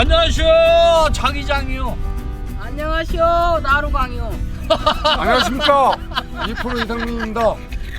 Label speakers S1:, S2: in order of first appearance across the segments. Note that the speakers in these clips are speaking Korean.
S1: 안녕하세요, 자기장이요.
S2: 안녕하시오, 나루광이요.
S3: 안녕하십니까, 2% 이상민입니다.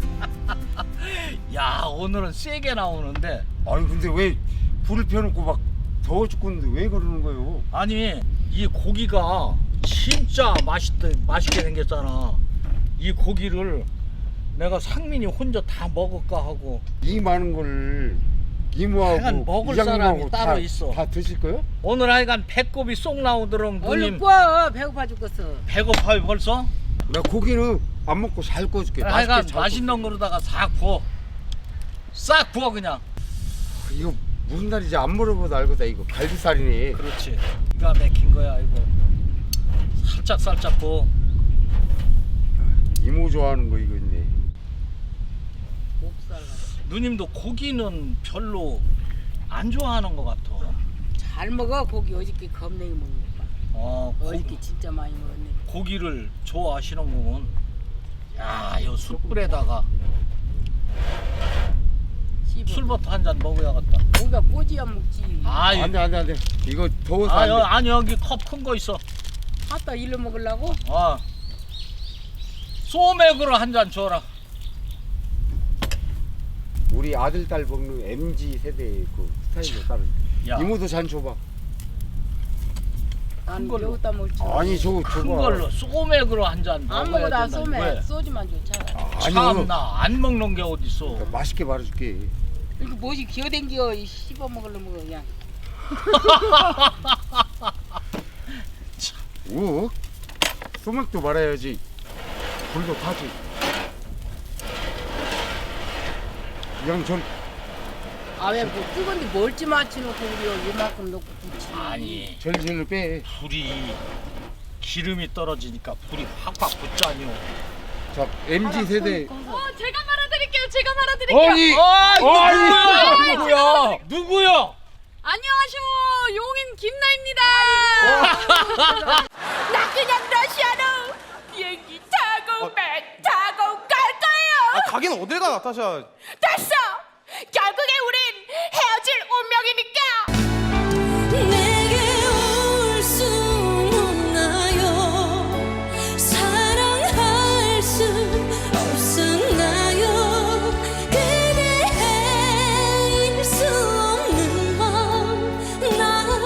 S1: 야, 오늘은 세게 나오는데.
S3: 아니 근데 왜 불을 펴놓고 막 더워 죽겠는데 왜 그러는 거예요?
S1: 아니, 이 고기가 진짜 맛있게 생겼잖아. 이 고기를 내가 상민이 혼자 다 먹을까 하고.
S3: 이 많은 걸 이모하고
S1: 하여간 먹을 사람이
S3: 이장님하고
S1: 따로 있어.
S3: 다 드실 거요?
S1: 오늘 하여간 배꼽이 쏙 나오도록
S2: 얼른
S1: 누님
S2: 구워, 배고파 죽겠어.
S1: 배고파요 벌써?
S3: 나 고기는 안 먹고 잘 구워줄게.
S1: 하여간
S3: 맛있게 잘
S1: 맛있는 거로다가 싹 부어. 싹 부어 그냥.
S3: 구워줄게. 이거 무슨 날인지 안 물어봐도 알거다. 이거 갈비살이네.
S1: 그렇지. 기가 막힌 거야 이거. 살짝 부어.
S3: 이모 좋아하는 거 이거 있네.
S2: 목살 같아.
S1: 누님도 고기는 별로 안 좋아하는 것 같아.
S2: 잘 먹어, 고기 어저께 겁내게 먹는 거 봐. 어저께 진짜 많이 먹었네.
S1: 고기를 좋아하시는구먼. 야, 이 숯불에다가
S2: 씹어.
S1: 술부터 한 잔 먹어야겠다.
S2: 고기가 꼬지야 먹지.
S1: 아이,
S3: 안돼. 이거 더워서 안 돼.
S1: 아니 여기 컵 큰 거 있어.
S2: 갖다 일로 먹으려고?
S1: 아, 소맥으로 한 잔 줘라.
S3: 우리 아들 딸 먹는 MZ 세대의 그 스타일로 따로.
S1: 야,
S3: 이모도 잔 줘봐.
S2: 난
S1: 걸로.
S2: 여기다 먹지.
S3: 아니 저거 줘봐.
S1: 큰 걸로 소맥으로 한 잔
S2: 안
S1: 먹어야
S2: 먹어, 나
S1: 된다.
S2: 소매.
S1: 왜?
S2: 소주만 줘, 차라리.
S3: 아니요.
S1: 참나 안 먹는 게 어딨어.
S3: 맛있게 말해줄게.
S2: 이거 뭐지, 기어댕겨. 씹어 먹으려면 그냥.
S3: 오, 소맥도 말아야지. 불도 타지. 그냥 전
S2: 아, 왜 뭐 뜨거운데 멀찌 맞춰놓고 우리 이만큼 넣고 굳이.
S1: 아니,
S3: 절절로 빼.
S1: 불이 기름이 떨어지니까 불이 확확 붙자니요.
S3: 자, MZ 세대.
S4: 제가 말아드릴게요. 제가 말아드릴게요.
S3: 아니,
S1: 누구야? 누구야?
S4: 안녕하쇼. 용인 김나입니다. 나 그냥 러시아로 비행기 타고 배 타고 갈 거예요.
S5: 가긴 어딜 가, 나타샤.
S4: 됐어. 결국에 우린 헤어질 운명이니까.
S6: 내게 올 수 없나요? 사랑할 수 없었나요? 그대일 수 없는 건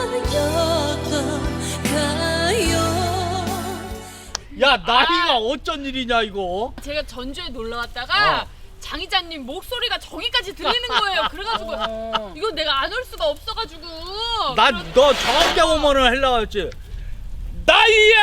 S6: 나였던가요?
S1: 야, 나이가 어쩐 일이냐 이거?
S4: 제가 전주에 놀러 왔다가
S1: 어.
S4: 장이자님 목소리가 저기까지 들리는 거예요. 그래가지고 이거 내가 안 올 수가 없어가지고.
S1: 난 너 저녁 오면은 하려고 했지. 나이야!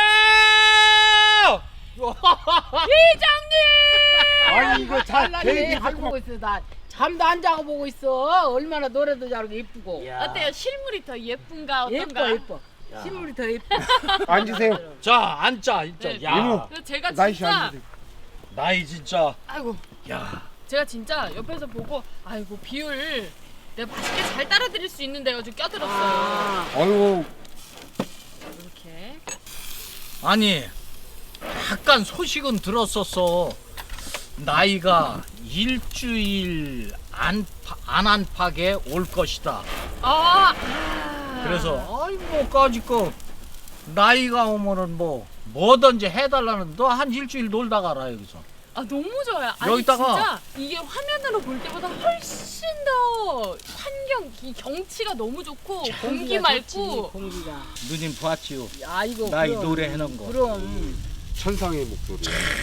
S4: 이장님.
S3: 아니 이거 잘
S2: 잘나네.
S3: 계획이
S2: 하고 보고 있어. 나 잠도 안 자고 보고 있어. 얼마나 노래도 잘하고 예쁘고.
S4: 어때요? 실물이 더 예쁜가 어떤가?
S2: 예뻐. 신물이 더 예뻐.
S3: 앉으세요.
S1: 자, 앉자. 진짜.
S4: 네.
S1: 야,
S3: 이모.
S4: 그래서 제가
S3: 나이씨
S4: 진짜
S3: 앉으세요.
S1: 나이 진짜.
S4: 아이고
S1: 야,
S4: 제가 진짜 옆에서 보고 아이고 비율 내가 맛있게 잘 따라드릴 수 있는데 가지고 껴들었어요.
S2: 아,
S3: 아유,
S4: 이렇게.
S1: 아니 약간 소식은 들었었어. 나이가 일주일 안 안팎에 올 것이다. 그래서 아이 뭐까지 거 나이가 오면은 뭐든지 해달라는. 너 한 일주일 놀다 가라 여기서.
S4: 아 너무 좋아요. 아니
S1: 여기다가-
S4: 진짜 이게 화면으로 볼 때보다 훨씬 더 환경, 이 경치가 너무 좋고 공기
S2: 좋지,
S4: 맑고.
S2: 공기가.
S1: 누님 봤지요?
S2: 야 이거.
S1: 나이
S2: 그럼.
S1: 노래 해놓은 거.
S2: 그럼.
S3: 천상의 목소리.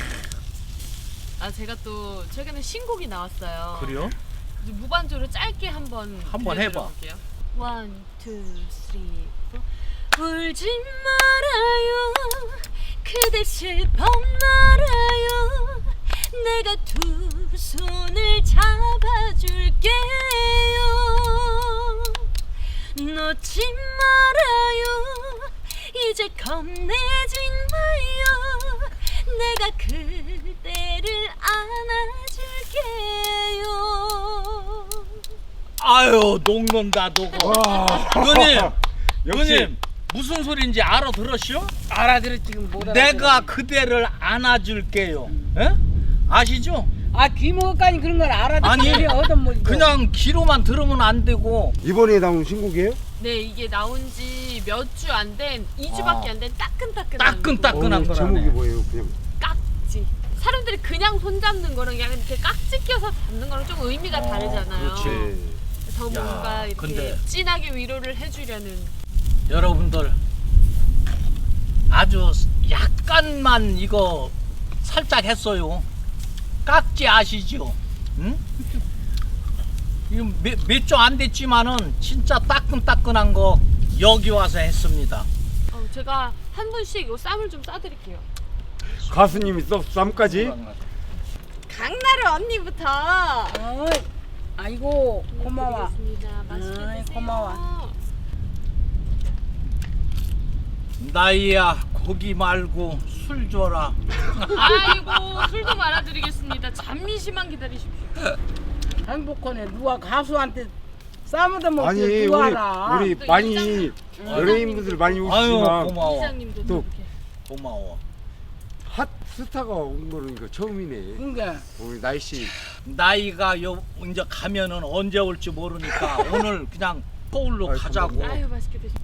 S4: 아 제가 또 최근에 신곡이 나왔어요.
S1: 그래요?
S4: 그래서 무반주로 짧게 한번
S1: 한번 해봐.
S4: 들려드려볼게요. 1, 2, 3, 4. 울지 말아요. 그대 슬퍼 말아요. 내가 두 손을 잡아줄게요. 놓지 말아요. 이제 겁내지 마요. 내가 그대를 안아줄게요.
S1: 아유 녹는다 녹어. 누님,
S3: 역시
S1: 누님 무슨 소리인지 알아들었시오?
S2: 알아들었지 지금 못 알아.
S1: 내가 그대를 안아줄게요. 에? 아시죠?
S2: 아 귀먹을까니 그런 걸 알아도
S1: 아니,
S2: 얻어먹어.
S1: 그냥 귀로만 들으면 안 되고.
S3: 이번에 나온 신곡이에요?
S4: 네, 이게 나온 지 몇 주 안 된, 2주밖에 안 된 따끈따끈한
S1: 따끈따끈한 거라네.
S3: 제목이 뭐예요? 그냥
S4: 깍지. 사람들이 그냥 손 잡는 거랑 그냥 이렇게 깍지 껴서 잡는 거랑 좀 의미가 다르잖아요.
S3: 그렇지.
S4: 더 뭔가 이렇게
S1: 근데-
S4: 진하게 위로를 해주려는.
S1: 여러분들 아주 약간만 이거 살짝 했어요. 깍지 아시죠? 응? 이거 몇 주 안 됐지만은 진짜 따끈따끈한 거 여기 와서 했습니다.
S4: 제가 한 분씩 이 쌈을 좀 싸드릴게요.
S3: 가수님이 쌈까지?
S4: 강나루 언니부터.
S2: 아이고 고마워.
S4: 드리겠습니다. 맛있게
S2: 아이,
S4: 드세요.
S2: 고마워.
S1: 나이야 고기 말고 술 줘라.
S4: 아이고 술도 말아드리겠습니다. 잠시만 기다리십시오.
S2: 행복하네. 누가 가수한테 쌈을 얻어먹지
S3: 아니
S2: 누가 알아.
S3: 우리
S4: 또
S3: 많이
S4: 이장-
S3: 연예인분들 많이
S1: 아유
S3: 오시지만
S1: 고마워.
S4: 이장님도
S3: 또-
S4: 이렇게.
S1: 고마워.
S3: 핫 스타가 온 거는 이거 처음이네.
S2: 그러니까
S3: 우리 나이씨
S1: 나이가 이제 가면은 언제 올지 모르니까 오늘 그냥 서울로
S3: 아이,
S1: 가자고.
S3: 감사합니다.
S4: 아유 맛있게 드시.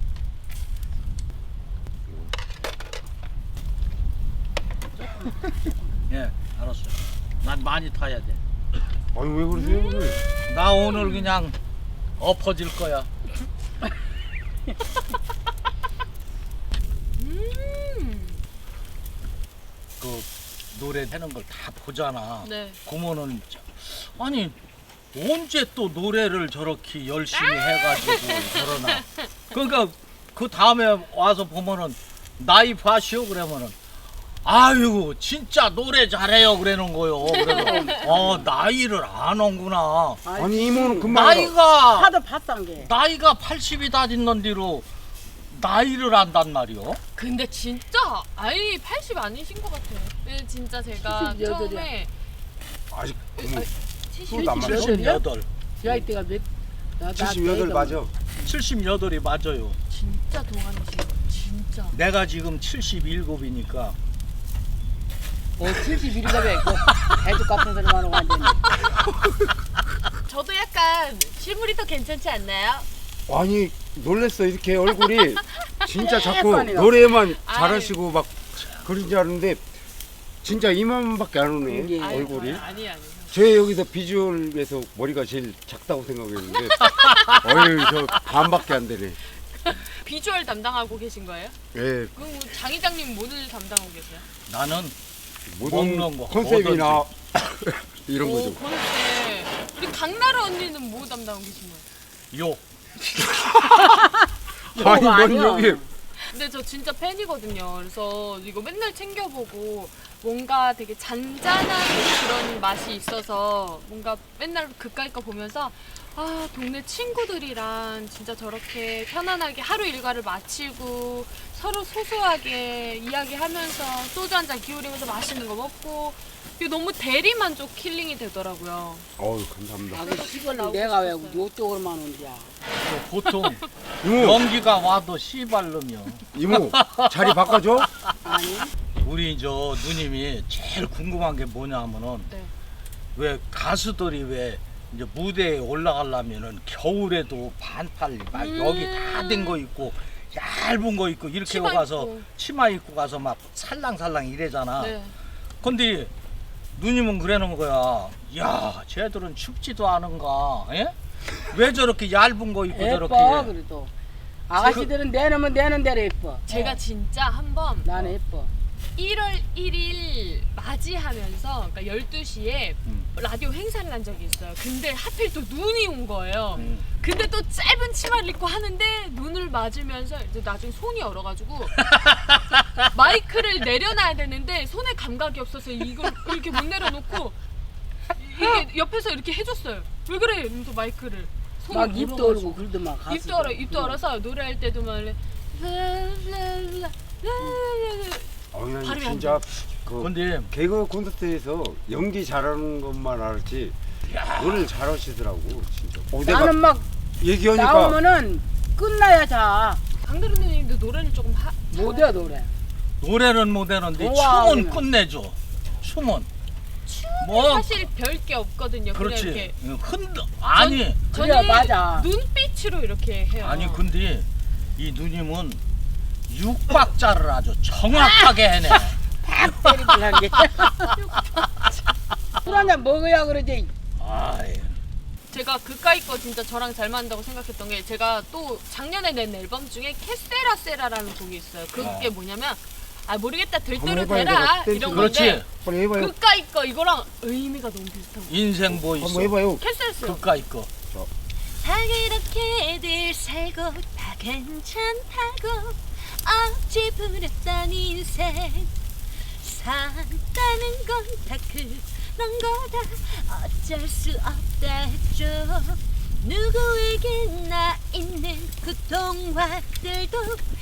S1: 예, 알았어. 난 많이 타야 돼.
S3: 아니 왜 그러세요 오늘?
S1: 나 오늘 그냥 엎어질 거야. 그 노래 하는 걸 다 보잖아.
S4: 네.
S1: 그러면은 아니 언제 또 노래를 저렇게 열심히 해가지고 그러나. 그러니까 그 다음에 와서 보면은 나이 봐시오 그러면은 아유 진짜 노래 잘해요 그러는 거요. 그래서 나이를 아는구나.
S3: 아니 이모는 금방 알아.
S1: 나이가
S2: 하도 봤던 게.
S1: 나이가 80이 다 됐는 뒤로 나이를 안단 말이요.
S4: 근데 진짜 아이 80 아니신 것 같아요. 네, 진짜 제가
S2: 78이야.
S4: 처음에
S3: 아직 이모
S4: 70.
S3: 안 맞아?
S1: 78.
S2: 지아이 때가 몇?
S3: 78 맞아.
S1: 78이 맞아요.
S4: 진짜 동안이신 거 진짜.
S1: 내가 지금 77이니까
S2: 71이가 왜 있고 애도 같은 소리만 하고 완전히.
S4: 저도 약간 실물이 더 괜찮지 않나요?
S3: 아니 놀랬어 이렇게 얼굴이 진짜 자꾸
S2: 예뻐요.
S3: 노래만
S4: 아유.
S3: 잘하시고 막 그런 줄 알았는데 진짜 이만밖에 안 오네
S2: 이게
S3: 얼굴이.
S4: 아니.
S3: 제 여기서 비주얼에서 머리가 제일 작다고 생각했는데 어휴 저 반밖에 안 되네.
S4: 비주얼 담당하고 계신 거예요?
S3: 예,
S4: 그럼 장 회장님 뭐를 담당하고 계세요?
S1: 나는
S3: 모든
S1: 먹는 거,
S3: 컨셉이나 이런
S4: 오,
S3: 거죠.
S4: 그런데 우리 강나루 언니는 뭐 담당하고 계신 거예요?
S1: 욕.
S3: 아니 뭔
S2: 아니야.
S3: 여기
S4: 근데 저 진짜 팬이거든요. 그래서 이거 맨날 챙겨보고 뭔가 되게 잔잔한 그런 맛이 있어서 뭔가 맨날 그까이 거 보면서 아 동네 친구들이랑 진짜 저렇게 편안하게 하루 일과를 마치고 서로 소소하게 이야기하면서 소주 한 잔 기울이면서 맛있는 거 먹고 이게 너무 대리만족 힐링이 되더라고요.
S3: 어우 감사합니다.
S2: 아, 그 시골은 내가 왜 요쪽으로만 온지야.
S1: 보통
S3: 이모
S1: 연기가 와도 씨발놈이요.
S3: 이모 자리 바꿔줘.
S2: 아니
S1: 우리 저 누님이 제일 궁금한 게 뭐냐면은
S4: 네.
S1: 왜 가수들이 왜 이제 무대에 올라가려면은 겨울에도 반팔 막 여기 다 된 거 입고 얇은 거 입고 이렇게
S4: 치마
S1: 가서
S4: 입고.
S1: 치마 입고 가서 막 살랑살랑 이래잖아.
S4: 네.
S1: 근데 누님은 그러는 거야. 야, 쟤들은 춥지도 않은가? 예? 왜 저렇게 얇은 거 입고 저렇게?
S2: 예뻐 그래도. 아가씨들은 내놓으면 내는 대로 예뻐.
S4: 제가 진짜 한번
S2: 나는 예뻐.
S4: 1월 1일 맞이하면서 그러니까 12시에 라디오 행사를 한 적이 있어요. 근데 하필 또 눈이 온 거예요. 근데 또 짧은 치마를 입고 하는데 눈을 맞으면서 이제 나중에 손이 얼어가지고 마이크를 내려놔야 되는데 손에 감각이 없어서 이걸 이렇게 못 내려놓고 이게 옆에서 이렇게 해줬어요. 왜 그래? 이러면서 마이크를 손이
S2: 막 입도
S4: 얼어가지고.
S2: 얼고 그러더만 가수.
S4: 입도 얼어서 노래할 때도 막
S3: 어이
S4: 발음이
S3: 진짜
S4: 안
S3: 그
S1: 근데
S3: 개그 콘서트에서 연기 잘하는 것만 알았지 노래를 잘하시더라고 진짜. 내가
S2: 나는 막
S3: 얘기하니까
S2: 나오면은 끝나야 자.
S4: 강다른 누님도 노래를 조금
S2: 못해 노래.
S1: 노래는 못 하는데
S2: 우와,
S1: 춤은
S2: 그냥.
S1: 끝내줘. 춤은.
S4: 춤은
S1: 뭐
S4: 사실 별 게 없거든요.
S1: 그렇지.
S4: 그냥 이렇게
S1: 아니
S2: 그래, 맞아.
S4: 눈빛으로 이렇게 해요.
S1: 아니 근데 이 누님은 육박자를 아주 정확하게 해내.
S2: 때리고 한 게. 술 한잔 먹어야 그러지.
S1: 아이,
S4: 제가 그까이 거 진짜 저랑 잘 맞는다고 생각했던 게 제가 또 작년에 낸 앨범 중에 캐세라 세라라는 곡이 있어요. 그게 뭐냐면 모르겠다 될
S3: 한번
S4: 대로
S3: 해봐요,
S4: 되라
S3: 내가
S4: 이런
S1: 그렇지.
S4: 건데
S3: 빨리 해봐요.
S4: 그까이 거 이거랑 의미가 너무 비슷한 거예요.
S1: 인생 뭐 있어?
S3: 한번 해봐요.
S4: 캐세라
S1: 그까이 거.
S6: 다 그렇게들 살고 다 괜찮다고 어찌 부렸던 인생 산다는 건 다 그런 거다 어쩔 수 없다 했죠 누구에게나 있는 그 동화들도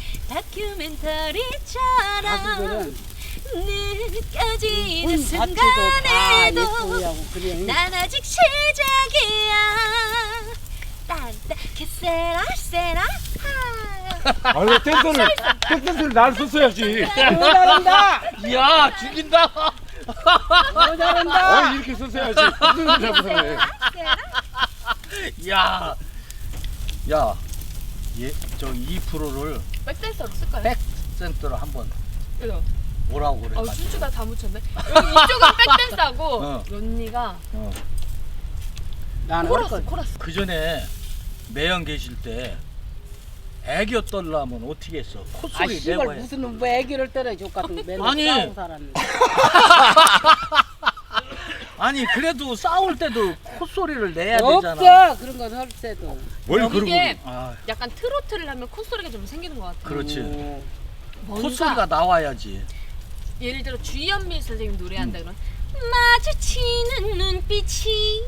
S6: 다큐멘터리처럼
S2: 가수들은
S6: 느껴지는
S2: 혼 자체도 다
S6: 순간에도
S2: 예쁘고 그래.
S6: 난 아직 시작이야 딴따 캐세라 세라
S3: 아유 댄서를 날 썼어야지.
S2: 너 잘한다.
S1: 이야 죽인다.
S2: 너 잘한다.
S3: 이렇게 썼어야지. 댄서를 잡고 살네.
S1: 야, 저 2%를
S4: 백댄서로 쓸까요?
S1: 백센터로 한번
S4: 그래요.
S1: 뭐라고 그래?
S4: 춘추가 다 묻혔네. 여기 이쪽은 백댄서고
S1: 어.
S4: 언니가
S2: 나는
S4: 코러스 코러스.
S1: 그 전에 매연 계실 때 애교 떨라면 어떻게 했어?
S2: 아
S1: 콧소리
S2: 씨발
S1: 내고 해.
S2: 무슨 뭐 애기를 때려 족 같은 거 맨날
S1: 아니.
S2: 싸우고 살았는데.
S1: 아니 그래도 싸울 때도 콧소리를 내야 되잖아.
S2: 없어 그런 건 할 때도.
S3: 뭘 그러고.
S4: 이게
S1: 아,
S4: 약간 트로트를 하면 콧소리가 좀 생기는 것 같아요.
S1: 그렇지.
S2: 오.
S4: 뭔가
S1: 콧소리가 나와야지.
S4: 예를 들어 주현미 선생님 노래한다 그러면
S6: 마주치는 눈빛이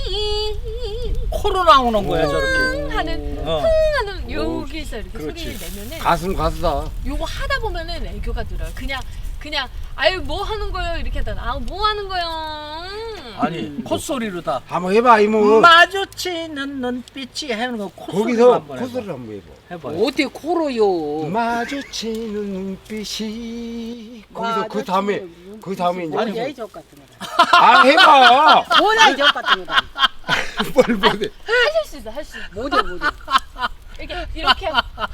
S1: 코로 나오는 거야 저렇게.
S4: 하는
S1: 어.
S4: 하는 여기서 이렇게
S1: 그렇지.
S4: 소리를 내면은
S3: 가수는 가수다.
S4: 요거 하다 보면은 애교가 들어요. 그냥 아유 뭐 하는 거요 이렇게 하다가 뭐 하는 거요.
S1: 아니 콧소리로 다
S3: 한번 해봐 이모.
S1: 마주치는 눈빛이 하는 거 콧소리로
S3: 거기서
S1: 한번
S3: 콧소리를 한번 해봐.
S1: 해봐요.
S2: 어떻게 코로요?
S3: 마주치는 눈빛이 거기서 그 다음에 이제
S2: 뭐야 이족 같은 거다.
S3: 해봐.
S2: 뭐야 이족 같은 거다.
S3: 뭘 못해.
S4: 하실 수 있어 할 수 있어.
S2: 못해 못해.
S4: 이렇게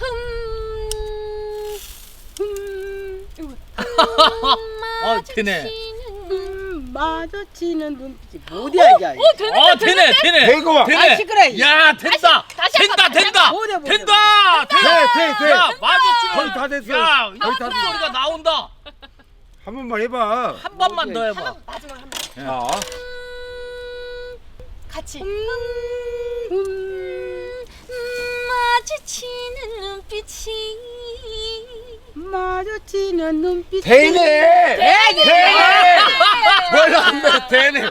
S1: 되네.
S2: 마주치는 눈빛이 뭐야 이게.
S1: 되네.
S3: 대고 와.
S1: 되네.
S2: 아 시끄러.
S1: 야 된다.
S4: 다시
S1: 된다.
S2: 뭐냐, 뭐냐,
S1: 된다.
S3: 돼.
S1: 야 마주치는
S3: 거의 다 됐어.
S1: 야
S3: 거의 다 됐어.
S1: 콧소리가 나온다.
S3: 한 번만 해봐.
S1: 한 번만 더 해봐.
S4: 마지막 한 번.
S3: 자.
S4: 같이.
S6: 마주치는 눈빛이
S2: 마주치는 눈빛이.
S3: 되네.
S2: 되네.
S3: 몰라 안 돼. 되네.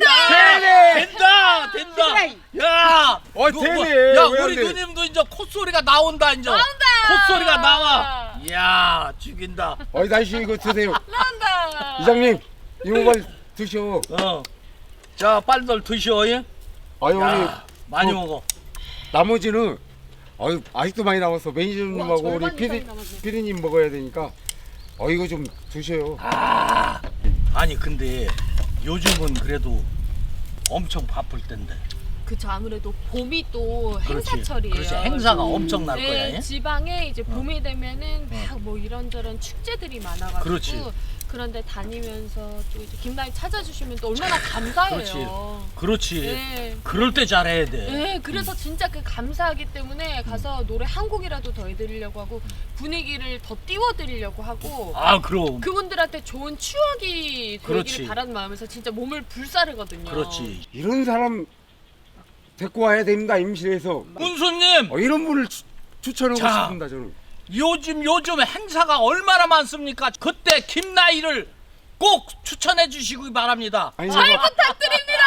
S1: 된다. 야.
S3: 되네.
S1: 야
S3: 왜안
S1: 우리
S3: 돼?
S1: 누님도 이제 콧소리가 나온다 이제.
S4: 나온다.
S1: 콧소리가 나와. 야 죽인다.
S3: 날씨 이거 드세요.
S4: 나온다.
S3: 이장님 이거 빨리 드셔.
S1: 자 빨리들 드셔. 예?
S3: 아유 우리
S1: 야, 많이 먹어.
S3: 나머지는 아직도 많이 남았어. 매니저님하고
S4: 와,
S3: 우리
S4: 절반 이상이 남았네.
S3: 피디님 먹어야 되니까 이거 좀 드셔요.
S1: 아니 근데 요즘은 그래도 엄청 바쁠 텐데.
S4: 그쵸 아무래도 봄이 또
S1: 그렇지.
S4: 행사철이에요.
S1: 그렇지. 행사가 엄청 날 거야.
S4: 네,
S1: 예?
S4: 지방에 이제 봄이 되면은 막 뭐 이런저런 축제들이 많아가지고
S1: 그렇지.
S4: 그런데 다니면서 또 이제 김나희 찾아주시면 또 얼마나 감사해요.
S1: 그렇지.
S4: 네.
S1: 그럴 때 잘해야 돼.
S4: 네, 그래서 진짜 그 감사하기 때문에 가서 노래 한 곡이라도 더 해드리려고 하고 분위기를 더 띄워드리려고 하고
S1: 아 그럼.
S4: 그분들한테 좋은 추억이
S1: 그렇지.
S4: 되기를 바라는 마음에서 진짜 몸을 불사르거든요.
S1: 그렇지.
S3: 이런 사람 데리고 와야 됩니다. 임실에서
S1: 군수님
S3: 이런 분을 추천하고
S1: 자.
S3: 싶습니다. 저는.
S1: 요즘 행사가 얼마나 많습니까? 그때 김나희를 꼭 추천해 주시기 바랍니다.
S3: 아니
S4: 잘
S3: 내가
S4: 부탁드립니다.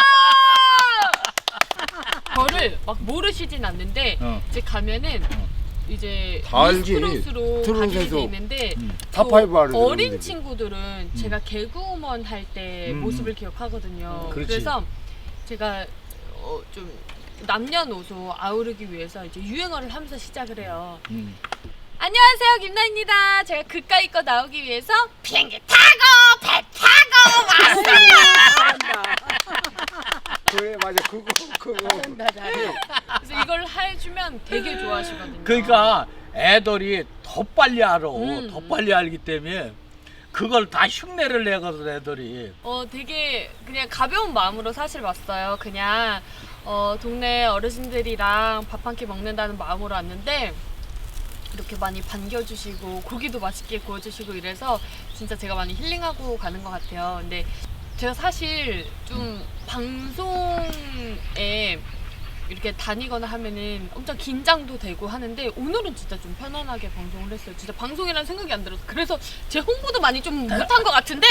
S4: 저를 막 모르시진 않는데 이제 가면은 이제
S3: 다 알지.
S4: 미스트롯으로
S3: 트롯에서.
S4: 가게 돼 있는데
S3: 탑5 하는
S4: 어린
S3: 애들이.
S4: 친구들은 제가 개그우먼 할 때 모습을 기억하거든요.
S1: 그렇지.
S4: 그래서 제가 좀 남녀노소 아우르기 위해서 이제 유행어를 하면서 시작을 해요. 안녕하세요 김나희입니다. 제가 그까이 거 나오기 위해서 비행기 타고 배 타고
S3: 그래 맞아 그거.
S2: 잘한다 잘해.
S4: 그래서 이걸 해주면 되게 좋아하시거든요.
S1: 그러니까 애들이 더 빨리 알아.
S4: 음.
S1: 더 빨리 알기 때문에 그걸 다 흉내를 내거든 애들이.
S4: 되게 그냥 가벼운 마음으로 사실 왔어요. 그냥 동네 어르신들이랑 밥 한 끼 먹는다는 마음으로 왔는데 이렇게 많이 반겨주시고 고기도 맛있게 구워주시고 이래서 진짜 제가 많이 힐링하고 가는 것 같아요. 근데 제가 사실 좀 방송에 이렇게 다니거나 하면은 엄청 긴장도 되고 하는데 오늘은 진짜 좀 편안하게 방송을 했어요. 진짜 방송이라는 생각이 안 들어서 그래서 제 홍보도 많이 좀 못한 것 같은데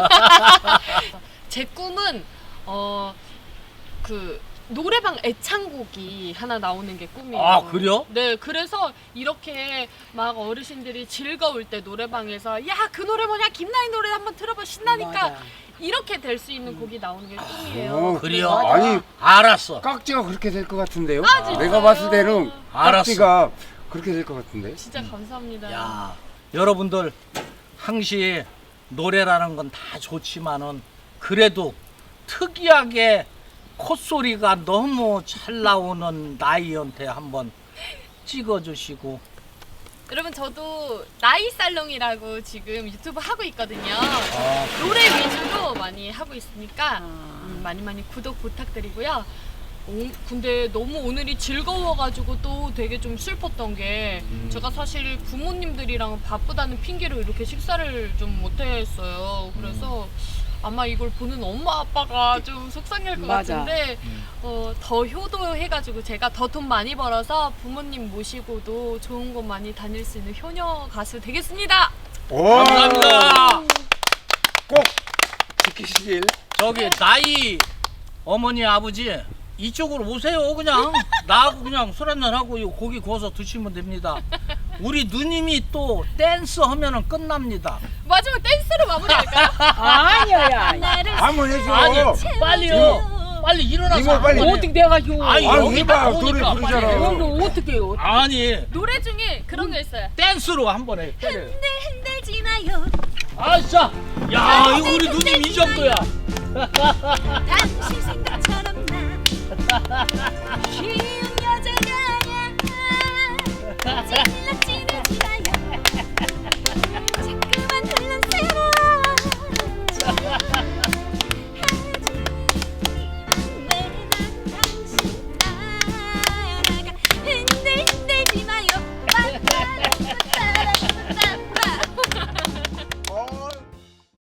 S4: 제 꿈은 그 노래방 애창곡이 하나 나오는 게 꿈이에요.
S1: 아, 그래요?
S4: 네, 그래서 이렇게 막 어르신들이 즐거울 때 노래방에서 야, 그 노래 뭐냐, 김나인 노래 한번 틀어봐 신나니까
S2: 맞아.
S4: 이렇게 될 수 있는 곡이 나오는 게 꿈이에요.
S3: 어,
S1: 그래요?
S3: 아니
S1: 알았어.
S3: 깍지가 그렇게 될 것 같은데요?
S4: 진짜요?
S3: 내가 봤을 때는
S1: 알았어.
S3: 깍지가 그렇게 될 것 같은데.
S4: 진짜 감사합니다.
S1: 야, 여러분들 항시 노래라는 건 다 좋지만은 그래도 특이하게 콧소리가 너무 잘 나오는 나이한테 한번 찍어주시고.
S4: 여러분 저도 나이 살롱이라고 지금 유튜브 하고 있거든요.
S1: 아,
S4: 노래 위주로 많이 하고 있으니까 많이 구독 부탁드리고요. 근데 너무 오늘이 즐거워가지고 또 되게 좀 슬펐던 게 제가 사실 부모님들이랑 바쁘다는 핑계로 이렇게 식사를 좀 못했어요. 그래서 아마 이걸 보는 엄마 아빠가 좀 속상할 것
S2: 맞아.
S4: 같은데 더 효도해가지고 제가 더 돈 많이 벌어서 부모님 모시고도 좋은 곳 많이 다닐 수 있는 효녀 가수 되겠습니다.
S3: 오,
S1: 감사합니다.
S3: 꼭 지키시길.
S1: 저기 나이 어머니 아버지 이쪽으로 오세요. 그냥 나하고 그냥 술 한잔 하고 이 고기 구워서 드시면 됩니다. 우리 누님이 또 댄스 하면은 끝납니다.
S4: 마지막 댄스로 마무리할까요?
S2: 아니야.
S3: 한번 해줘.
S1: 아니 빨리요. 빨리 일어나서
S3: 이모, 빨리.
S1: 한번 해.
S2: 어떻게 내가 요?
S1: 아니,
S3: 아니,
S1: 여기
S3: 해봐.
S1: 나오니까
S3: 노래
S1: 빨리
S3: 부르잖아.
S1: 해.
S2: 오늘 어떻게 해요?
S1: 아니
S4: 노래 중에 그런 거 있어요.
S1: 댄스로 한번 해. 때려.
S6: 흔들지 마요
S1: 아싸. 야 이거 우리 누님 이 정도야.
S6: 당신 생각처럼 나 쉬운 여자가 아니야 찔렀지